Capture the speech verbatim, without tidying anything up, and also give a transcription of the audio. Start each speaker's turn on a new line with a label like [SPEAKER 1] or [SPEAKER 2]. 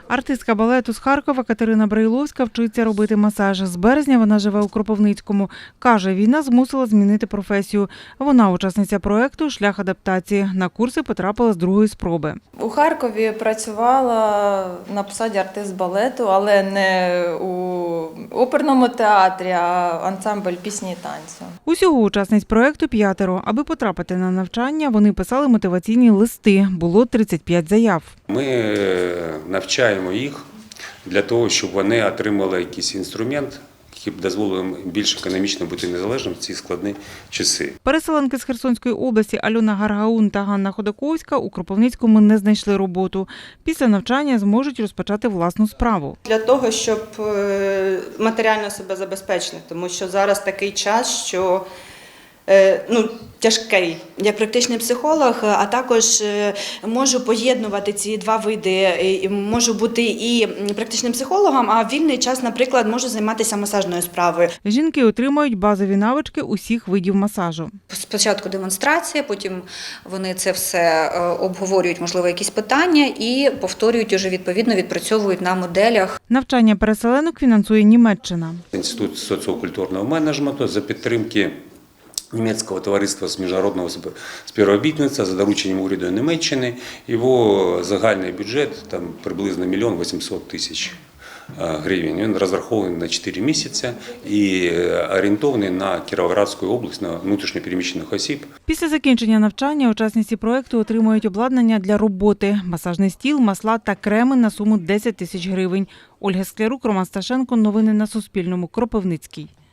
[SPEAKER 1] Артистка балету з Харкова Катерина Брайловська вчиться робити масаж. З березня вона живе у Кропивницькому. Каже, війна змусила змінити професію. Вона учасниця проєкту «Шлях адаптації». На курси потрапила з другої спроби.
[SPEAKER 2] У Харкові працювала на посаді артист балету, але не у оперному театрі, а ансамбль пісні і танцю.
[SPEAKER 1] Усього учасниць проєкту п'ятеро. Аби потрапити на навчання, вони писали мотиваційні листи. Було тридцять п'ять заяв.
[SPEAKER 3] Ми навчаємо їх для того, щоб вони отримали якийсь інструмент, який б дозволив їм більш економічно бути незалежним в ці складні часи.
[SPEAKER 1] Переселенки з Херсонської області Альона Гаргаун та Ганна Ходаковська у Кропивницькому не знайшли роботу. Після навчання зможуть розпочати власну справу.
[SPEAKER 4] Для того, щоб матеріально себе забезпечити, тому що зараз такий час, що ну, тяжкий. Я практичний психолог, а також можу поєднувати ці два види. Можу бути і практичним психологом, а в вільний час, наприклад, можу займатися масажною справою.
[SPEAKER 1] Жінки отримують базові навички усіх видів масажу.
[SPEAKER 5] Спочатку демонстрація, потім вони це все обговорюють, можливо, якісь питання і повторюють, уже відповідно відпрацьовують на моделях.
[SPEAKER 1] Навчання переселенок фінансує Німеччина.
[SPEAKER 3] Інститут соціокультурного менеджменту за підтримки Німецького товариства з міжнародного співробітництва за дорученням уряду Німеччини. Його загальний бюджет там приблизно мільйон вісімсот тисяч гривень. Він розрахований на чотири місяці і орієнтований на Кіровоградську область, на внутрішньопереміщених осіб.
[SPEAKER 1] Після закінчення навчання учасниці проєкту отримують обладнання для роботи – масажний стіл, масла та креми на суму десять тисяч гривень. Ольга Склярук, Роман Сташенко. Новини на Суспільному. Кропивницький.